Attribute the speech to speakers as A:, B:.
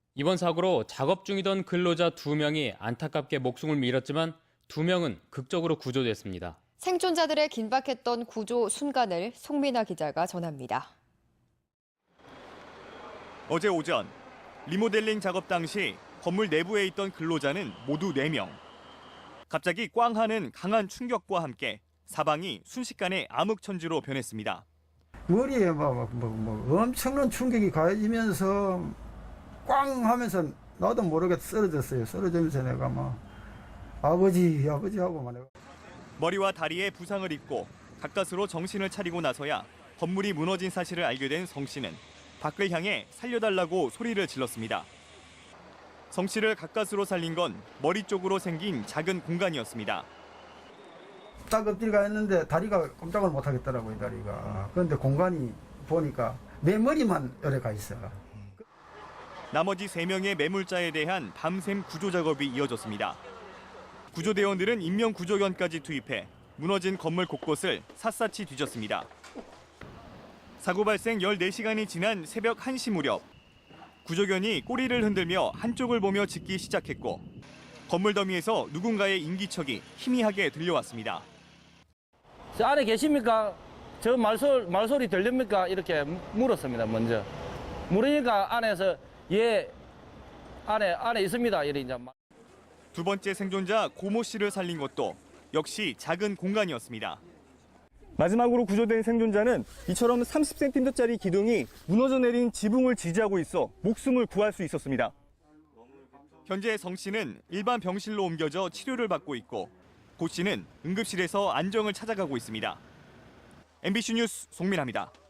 A: 이번 사고로 작업 중이던 근로자 2명이 안타깝게 목숨을 잃었지만 2명은 극적으로 구조됐습니다.
B: 생존자들의 긴박했던 구조 순간을 송민아 기자가 전합니다.
C: 어제 오전 리모델링 작업 당시 건물 내부에 있던 근로자는 모두 4명. 갑자기 꽝 하는 강한 충격과 함께 사방이 순식간에 암흑천지로 변했습니다.
D: 머리에 엄청난 충격이 가해지면서 꽝 하면서 나도 모르게 쓰러졌어요. 쓰러지면서 내가 아버지 하고 막 내가.
C: 머리와 다리에 부상을 입고 가까스로 정신을 차리고 나서야 건물이 무너진 사실을 알게 된 성 씨는 밖을 향해 살려달라고 소리를 질렀습니다. 성 씨를 가까스로 살린 건 머리 쪽으로 생긴 작은 공간이었습니다.
D: 딱 엎드려가 있는데 다리가 꼼짝을 못 하겠더라고요, 다리가. 그런데 공간이 보니까 내 머리만 열에 가 있어.
C: 나머지 3명의 매물자에 대한 밤샘 구조 작업이 이어졌습니다. 구조대원들은 인명구조견까지 투입해 무너진 건물 곳곳을 샅샅이 뒤졌습니다. 사고 발생 14시간이 지난 새벽 1시 무렵 구조견이 꼬리를 흔들며 한쪽을 보며 짖기 시작했고 건물 더미에서 누군가의 인기척이 희미하게 들려왔습니다.
E: 저 안에 계십니까? 저 말소리 들립니까? 이렇게 물었습니다, 먼저. 물으니까 안에서 안에 있습니다. 이래 이제.
C: 두 번째 생존자 고모 씨를 살린 것도 역시 작은 공간이었습니다.
F: 마지막으로 구조된 생존자는 이처럼 30cm짜리 기둥이 무너져 내린 지붕을 지지하고 있어 목숨을 구할 수 있었습니다.
C: 현재 성 씨는 일반 병실로 옮겨져 치료를 받고 있고 고 씨는 응급실에서 안정을 찾아가고 있습니다. MBC 뉴스 송민아입니다.